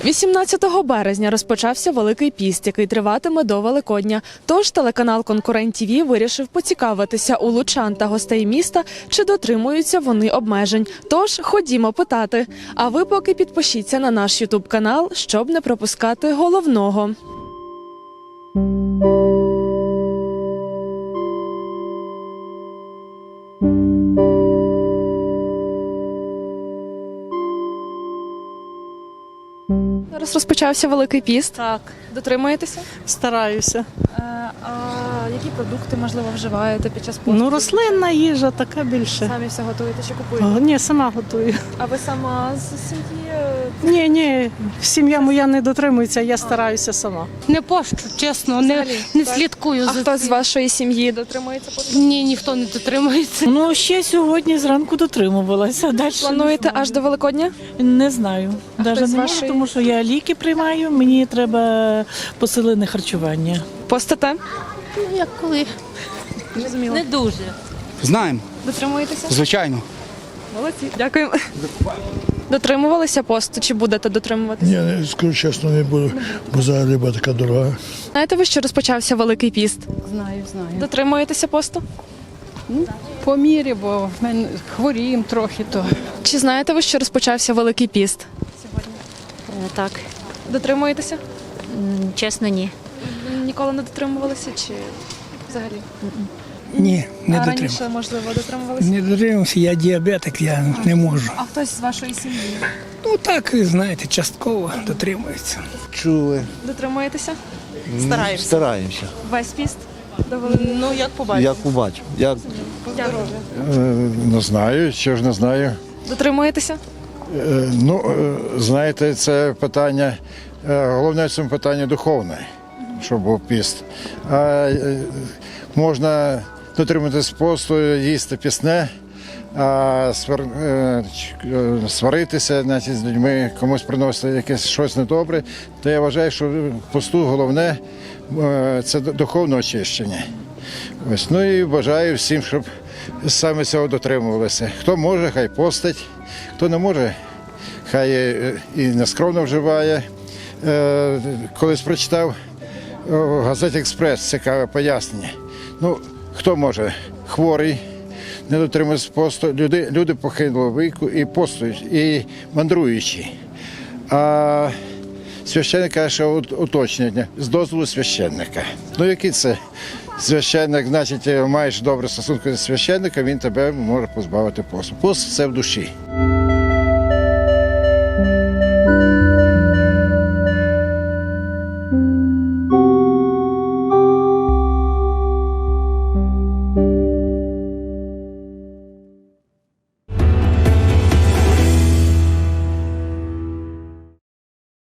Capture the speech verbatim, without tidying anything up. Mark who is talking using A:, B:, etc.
A: вісімнадцятого березня розпочався Великий піст, який триватиме до Великодня. Тож телеканал «Конкурент ТІВІ» вирішив поцікавитися у лучан та гостей міста, чи дотримуються вони обмежень. Тож ходімо питати. А ви поки підпишіться на наш ютуб-канал, щоб не пропускати головного. Зараз розпочався Великий піст.
B: Так,
A: Дотримуєтеся?
B: стараюся.
A: А які продукти, можливо, вживаєте під час посту?
B: Ну, рослинна їжа така більше.
A: Самі все готуєте чи купуєте?
B: О, ні, сама готую.
A: А ви сама з сім'ї?
B: Ні, ні, сім'я моя не дотримується, я стараюся сама.
C: Не пощу, чесно, не,
A: Взагалі,
C: не
A: так?
C: слідкую
A: А
C: за
A: хто з
C: цим.
A: вашої сім'ї дотримується посту?
C: Ні, ніхто не дотримується.
B: Ну, ще сьогодні зранку дотримувалася. Далі
A: Плануєте аж до Великодня?
B: не знаю. Навіть
A: хтось з
B: не можу,
A: вашої?
B: тому що я ліки приймаю, мені треба посилене харчування.
A: Постите?
C: Ну, як коли?
A: Зрозуміло.
C: Не дуже.
D: Знаємо,
A: Дотримуєтеся?
D: звичайно.
A: Молодці. Дякую. Дотримувалися посту чи будете дотримуватися?
E: Ні, не, скажу чесно, не буду, бо зараз риба така дорога.
A: Знаєте ви, що розпочався Великий піст?
F: Знаю, знаю.
A: Дотримуєтеся посту?
F: По мірі, бо в мене хворіємо трохи, то
A: Чи знаєте ви, що розпочався Великий піст?
G: Е, Так,
A: Дотримуєтеся?
G: М, чесно, ні.
A: Ніколи не дотримувалися чи взагалі?
H: Ні, не
A: а
H: дотримав.
A: раніше, можливо, дотримувалися?
H: Не дотримався, я діабетик, я не можу.
A: А хтось з вашої сім'ї?
H: Ну так, знаєте, частково дотримується.
I: Чули.
A: Дотримуєтеся?
B: Стараємося.
I: Стараємося.
A: Весь піст? До Великого?
B: Ну, як побачиш.
I: Як побачив. Як...
A: Дякую.
J: Не знаю, що ж не знаю.
A: Дотримуєтеся?
J: Е, Ну, е, знаєте, це питання, е, головне в цьому питанні духовне, щоб був піст. А е, можна дотримуватись посту, їсти пісне, а свар- е, ч- е, сваритися значить, з людьми, комусь приносити якесь щось недобре, то я вважаю, що в посту головне е, це духовне очищення. Ось, ну і бажаю всім, щоб саме цього дотримувалися. Хто може, хай постить, хто не може, хай е, і нескромно вживає. Е, Колись прочитав в газеті «Експрес» цікаве пояснення. Ну, хто може? Хворий, не дотримується посту, люди, люди похилого віку і постують, і мандруючі. А священник каже, що ut- уточнення з дозволу священника. Ну, який це священник, значить, маєш добрі стосунки з священником, він тебе може позбавити посту. Пост – це в душі.